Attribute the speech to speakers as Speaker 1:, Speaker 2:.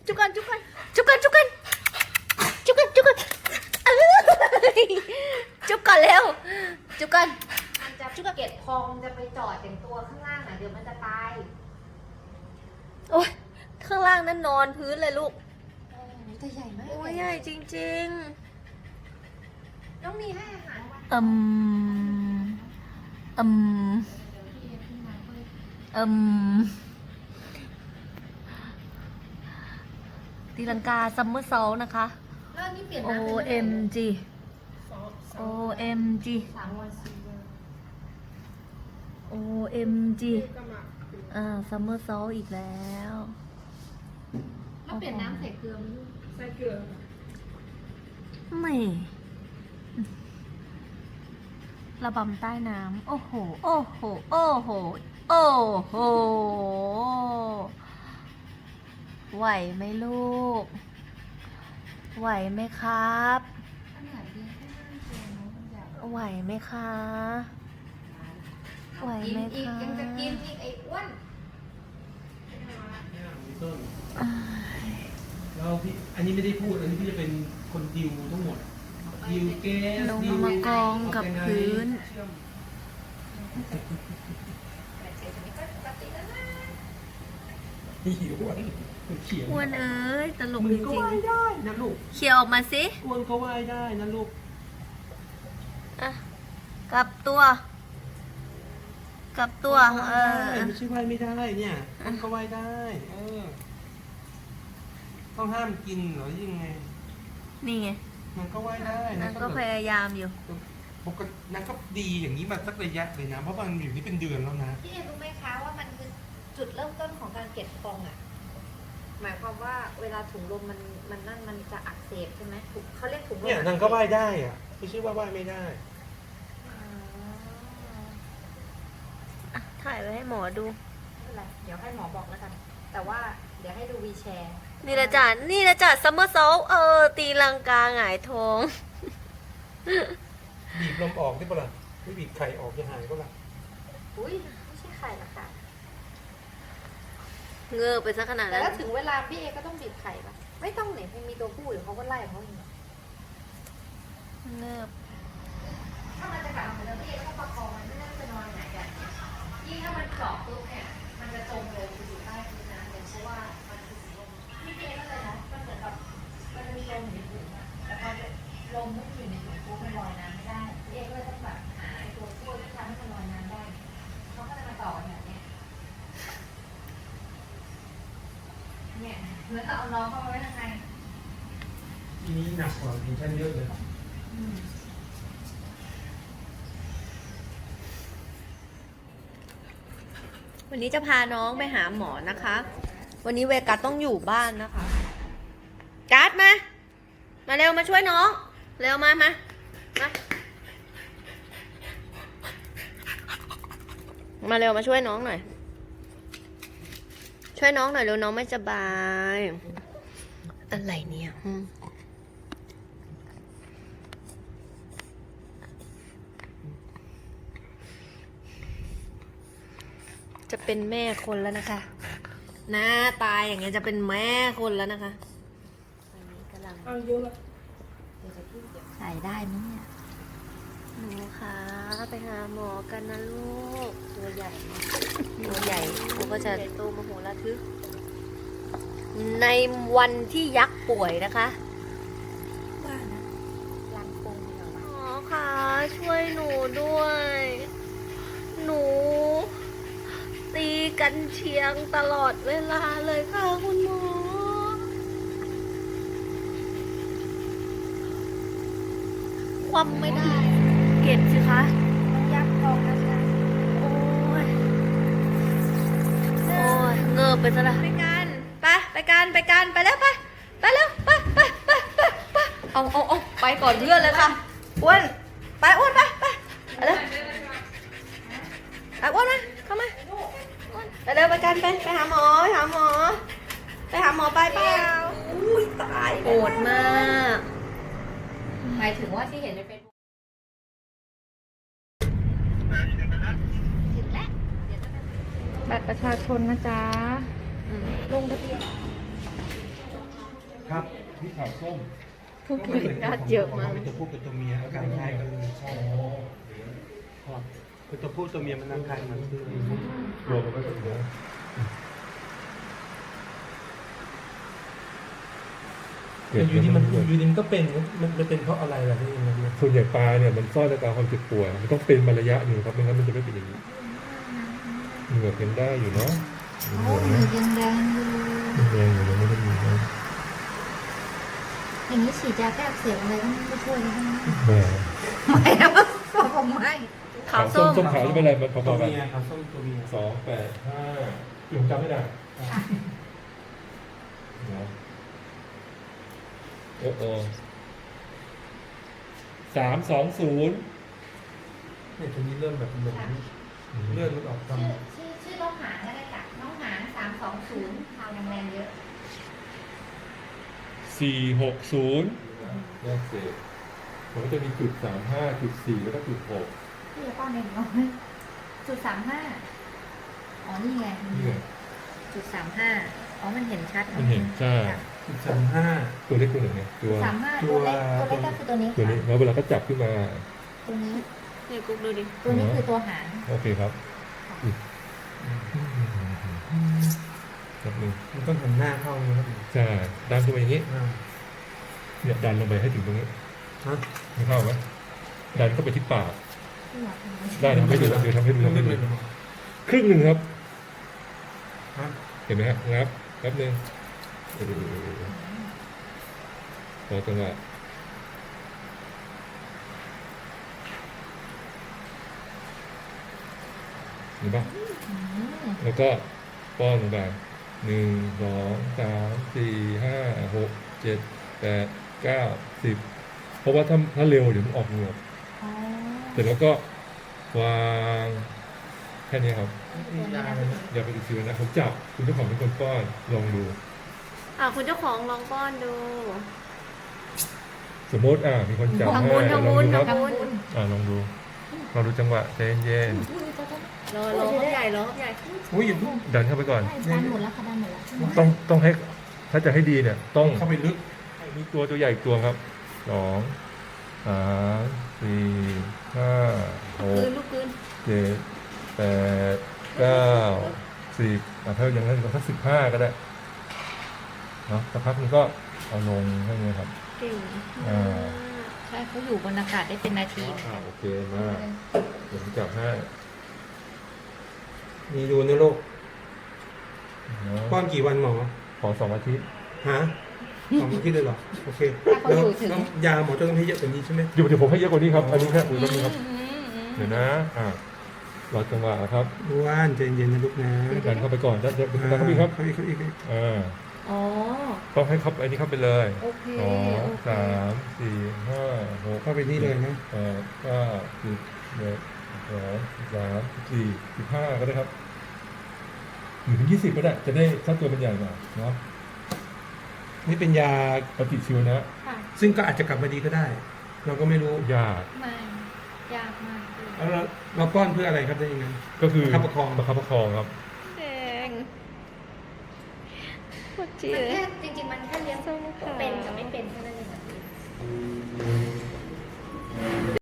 Speaker 1: จุกกันจุกกันจุกกันจุกกันจุกกันจุกกันจุกกันเร็วจุกกัน
Speaker 2: มันจะเก็บพองจะไปจอดอย่างตัวข้างล่างอ่ะเดี๋ยวมันจะตาย
Speaker 1: โอ้ยข้างล่างนั้นนอนพื้นเลยลูก
Speaker 2: ตัวใหญ่มาก
Speaker 1: โอ้ยใหญ่จริง
Speaker 2: น้องมีให้อาหารวัน
Speaker 1: ๆตีลังกาซัมเมอร์ซอลนะคะ
Speaker 2: แล้วนี่เปลี่ยน
Speaker 1: OMG OMG
Speaker 2: 3 วัน4 วัน
Speaker 1: OMG ซัมเมอร์ซอลอีกแล้ว
Speaker 2: แล้วเปลี่ยนน้ำใส่เกลือไหมลูกใส่เกลือ
Speaker 1: ไม่ระบำใต้น้ำโอ้โห โอ้โห โอ้โห โอ้โห ไหวไหมลูก ไหวไหมครับ
Speaker 2: ขนาดนี้ก็น่าเกลือน้องมันใหญ่
Speaker 1: ไหวไหมคะ ไหวไหม
Speaker 2: อีก
Speaker 1: คะ
Speaker 2: ยังจะกินอีกไอ้อ้วน
Speaker 3: เนี่ยมีต้นแล้วพี่อันนี้ไม่ได้พูดอันนี้พี่จะเป็นคนดิวทั้งหมดดิวแก๊ส
Speaker 1: ลง
Speaker 3: ดิว
Speaker 1: มากองกับพื้น
Speaker 3: เชื่อม
Speaker 2: แต่เสร็จนี้ก็ปกติแล้วนะ
Speaker 3: หิวอ่ะเขียน
Speaker 1: อ้วนเอ้ยตลก
Speaker 3: มึ
Speaker 1: จ
Speaker 3: งก็
Speaker 1: ริง
Speaker 3: ว่ายได้นะลูก
Speaker 1: ๆเขี่ยออกมาสิ
Speaker 3: อ้วนก็ว่ายได้นะลูก
Speaker 1: อ่ะกลับตัว กลับตัว
Speaker 3: ไม่ใช่ว่ายไม่ได้เนี่ยอ้วนก็ว่ายได้ต้องห้ามกินเหรอยังไง
Speaker 1: นี่ไง
Speaker 3: มันก็ว่ายได้
Speaker 1: นั่
Speaker 3: นะ
Speaker 1: นก็พยายามอยู่
Speaker 3: ปกตินั่นก็ดีอย่างนี้มาสักระยะเลยนะเพราะมันอยู่นี่เป็นเดือนแล้วนะ
Speaker 2: พี่เอ็รู้ไหมคะว่ามันคือจุดเริ่มต้นของการเก็บพองอ่ะหมายความว่าเวลาถุงลมมันนั่นมันจะอักเสบใช่ไหมถุงเขาเรียกถุงลม
Speaker 3: เนี่ยนางก็ว่ายได้อะไม่ใช่ว่าว่ายไม่ได้
Speaker 2: อ๋อ
Speaker 1: อ่ะถ่ายไว้ให้หมอดู
Speaker 2: ไม่เป็นไรเดี๋ยวให้หมอบอกแล้วกัน แต่ว่าเดี๋ยวให้ดูวีแชร์
Speaker 1: นี่ละจ้ะนี่ละจ้ะซัมเมอร์โซลตีลังกาหงายท้อง
Speaker 3: บีบลมออกได้ปะล่ะไม่บีบไข่ออกจะหายก็ล่ะ
Speaker 2: อุ้ยไม่ใช่ไข่หรอกค่ะ
Speaker 1: เงือบไปซะขนาด
Speaker 2: แต่
Speaker 1: นั้น
Speaker 2: ถ้าถึงเวลาพี่เอก็ต้องบีบไข่ปะไม่ต้องเนี่ยมันมีตัวผู้อยู่เขาก็ไล่เขาเอง
Speaker 1: เงือบ
Speaker 2: ถ้ามันจะกลับมาแล้วพี่เอก็ต้องประคองมันไม่น่าจะนอนไหนกันยิ่งถ้ามันเจาะปุ๊บเนี่ยมันจะจมลงไปอยู่ใต้พื้นน้ำเลยเพราะว่ามันคือสีลมพี่เอก็เลยเนาะมันเหมือนแบบมันจะมีลมอยู่ในถุงอะแต่พอลมไม่อยู่ในถุงปุ๊บมันลอยน้ำไม่ได้พี่เอก็เลยต้องแบบหาไอ้ตัวช่วยที่ทำให้มันลอยน้ำได้เขาก็เลยมาต่อกันแบบเนี้ยเนี่ยเหมือนเอาน้องเข้ามาไว้ข้างใน
Speaker 3: ทีนี้หนักกว่าเพนชั่นเยอะเลย
Speaker 1: วันนี้จะพาน้องไปหาหมอนะคะ วันนี้เวกัสต้องอยู่บ้านนะคะกัสมา มาเร็วมาช่วยน้อง เร็วมา มา มาเร็วมาช่วยน้องหน่อย ช่วยน้องหน่อยเร็วน้องไม่สบาย อะไรเนี่ยจะเป็นแม่คนแล้วนะคะ หน้าตายอย่างเงี้ยจะเป็นแม่คนแล้วนะคะอันนี้กำลัง
Speaker 3: เอาเยอะละ
Speaker 1: ใส่ได้ไหมเนี่ยหนูคะไปหาหมอกันนะลูก ตัวใหญ่ตัวใหญ่เขาก็จะโตมโหฬารทึก ในวันที่ยักษ์ป่วยนะคะว่านะ
Speaker 2: รังปงเหรอวะ
Speaker 1: หมอคะช่วยหนูด้วย หนู ตีกันเชียงตลอดเวลาเลยค่ะคุณหมอ ความไม่ได้ เก็บสิคะ
Speaker 2: ยักษ์ทองนะจ๊ะ
Speaker 1: โอ้ย โอ้ย เงือบไปซะละไปกันไปกันไปแล้วไปแล้วไปเอาไปก่อนเพื่อนเลยค่ะอ้วนไปอ้วนไปเร็วอ้วนมาเข้ามาอ้วนไปเร็วไปกันไปหาหมอไปหาหมอไปเปล่าอุ้ยตายโหดมาก
Speaker 2: หมายถึงว่าที่เห็นในเฟซบุ๊กถึงแล้วเดี๋ยวจะไป
Speaker 4: บัตรประชาชนนะจ๊ะ
Speaker 1: อืม
Speaker 4: ลงทะเบียน
Speaker 3: ครับที่ขาวส้ม
Speaker 1: ผู้ป่วยญาติเยอะมาก
Speaker 3: เป็นตัวผู้เป็นตัวเมียอาการคล้ายกันเลยใช่ครับเป็นตัวผู้ตัวเมียมันอาการมันคือ
Speaker 4: รวมกันก็ถึงนะ
Speaker 3: อยู่ดีมันก็เป็นมันเป็นเพราะอะไรล่ะพี่มัน
Speaker 4: ส่วนใหญ่ปลาเนี่ยมันซ่อนอาการความเจ็บป่วยมันต้องเป็นมาระยะหนึ่งครับไม่งั้นมันจะไม่เป็นอย่างนี้เหงื่อเป็นได้อยู่เนาะเห
Speaker 2: โอ้
Speaker 4: งื่อย
Speaker 2: ยังแดงอยู่
Speaker 4: แรงอยู่ยังไม่ได้มีนะ
Speaker 2: อย่างนี้ฉีดยาแก้อักเสบอะไรก็ไม่ช่วยเลยนะ
Speaker 4: แหม
Speaker 2: ไม่นะผมไม่
Speaker 1: ขาวส้ม
Speaker 4: ส้มขาวจะเป็นอะไรมันพ
Speaker 3: ตัว
Speaker 4: อๆกัน
Speaker 3: เมียครับส้มตัวเมีย
Speaker 4: 285ผมจำไม่ได้โอ้320
Speaker 3: เนี่ยตัวนี้เริ่มแบบหลงเลือดมันออกตาม
Speaker 2: ชื่อน้องหางก็ได้ค่ะน้องหาง320ทาวยังแรงเยอะ
Speaker 4: 460แยกเศษมันก็จะมีจุด35จุด4แล้วก็จุด6
Speaker 2: พี่จะป้อนเองเนาะจุด35อ๋อนี่ไง
Speaker 4: นี่ไง
Speaker 1: จุด35อ๋อมันเห็นชัด
Speaker 4: มันเห็นใช่
Speaker 3: 35
Speaker 4: ตัวเล็กตัวหนึ่งไงตัว
Speaker 2: 35ตัวเล็กก็คือตัวนี้
Speaker 4: ตัวนี้แล้วเวลาก็จับขึ้นมา
Speaker 2: ตัวนี้
Speaker 1: นี่กุ๊กดูดิ
Speaker 2: ตัวนี้คือตัวหาง
Speaker 4: โอเคครับแบบนึง
Speaker 3: มันต้องหันหน้าเข้านะครับ
Speaker 4: ใช่ดันขึ้นไปอย่างนี้เนี่ยดันลงไปให้ถึงตรงนี้
Speaker 3: ฮะ
Speaker 4: ไม่เข้าไหมดันเข้าไปที่ปาก
Speaker 2: ที่อยากทำ
Speaker 4: ได้ทำให้ดูเดี๋ยวทำให้ดู
Speaker 3: ต้องเล่นเลย
Speaker 4: ครึ่งหนึ่งครับ
Speaker 3: ฮะ
Speaker 4: เห็นไหมครับงับแป๊บนึงต่อจังหวะเห็นปะแล้วก็ป้อนลงไป1 2 3 4 5 6 7 8 9 10เพราะว่าถ้าเร็วเดี๋ยวมันออกเหงือก
Speaker 2: อ๋อ
Speaker 4: เสร็จแล้วก็วางแค่นี้ครับ
Speaker 2: ตัวนี้นะ
Speaker 4: อย่าไปติดเชื้อนะผมจับคุณเจ้าของเป็นคนป้อนลองดู
Speaker 1: คุณเจ้าของลองป้อนดู
Speaker 4: สมมติมีคนจับ
Speaker 1: ทำ
Speaker 4: ให้
Speaker 1: บุญ
Speaker 4: ลอง
Speaker 1: ทำบุญ
Speaker 4: ดูครับ
Speaker 1: ทำบุญ
Speaker 4: ลองดูลองดูจังหวะใจเย็น
Speaker 1: รอเขาใหญ่รอเขาใหญ่
Speaker 3: อุ้ยอย่าเพิ่ง
Speaker 4: ๆดันเข้าไปก่อน
Speaker 2: ดันหมดแล้วค่ะดันหมดแล้ว
Speaker 4: ต้องให้ถ้าจะให้ดีเนี่ยต้อง
Speaker 3: เข้าไปลึก
Speaker 4: มีตัวใหญ่อีกตัวครับ2 3 4 5
Speaker 1: คืน
Speaker 4: 6
Speaker 1: ลูกคืน
Speaker 4: 7 8 9 10ถ้าอย่างนั้นก็สัก15ก็ได้เนาะสักพักนึงก็เอาลงให้เนี่ยครับ
Speaker 1: เก่ง
Speaker 4: อ่า
Speaker 2: ใช่เขาอยู่บนอากาศได้เป็นนาที
Speaker 4: โอเคมากเดี๋ยวผมจับให้
Speaker 3: มีดูนะลูก
Speaker 4: เนาะ
Speaker 3: ป้อนกี่วันหมอ
Speaker 4: ขอ2 อาทิตย์
Speaker 3: ฮะ2 อาทิตย์เลยเหรอโอเค
Speaker 2: ถ้าเขาอยู่ถึง
Speaker 3: แล้วยาหมอจะต้องให้เยอะกว่านี้ใช่ไหม
Speaker 4: เดี๋ยวผมให้เยอะกว่านี้ครับ อันนี้แค่ดูแป๊บนึงครับ เดี๋ยวนะรอจังหวะครับ
Speaker 3: อ้วนใจเย็นนะลูกนะ
Speaker 4: ดันเข้าไปก่อนดันเข้าไปครับ
Speaker 3: เข้าอีก
Speaker 1: อ๋อ
Speaker 4: ต้องให้เขาอันนี้เข้าไปเลย
Speaker 1: โอเค
Speaker 4: 2 3 4 5 6
Speaker 3: เข้าไปนี่เลยนะ
Speaker 4: 8 9 10 11 12 13 14 15ก็ได้ครับถึง20ก็ได้จะได้ถ้าตัวเป็นใหญ่หน่อยเนาะ
Speaker 3: นี่เป็นยา
Speaker 4: ปฏิชีวนะ
Speaker 2: ค่ะ
Speaker 3: ซึ่งก็อาจจะกลับมาดีก็ได้ เราก็ไม่รู้
Speaker 4: ยาก
Speaker 2: ไม่ยากมากเลย
Speaker 3: แล้วเราป้อนเพื่ออะไรครับได้ยังไง
Speaker 4: ก็คือ
Speaker 3: ประคับประคอง
Speaker 4: ประคับประคองครับ
Speaker 1: แดงปวดจี
Speaker 2: มัน
Speaker 1: เลย
Speaker 2: แค่จริงๆมันแค่เลี้ยง
Speaker 1: ส้มขาว
Speaker 2: เป็นกับไม่เป็นแค่นั้นเอง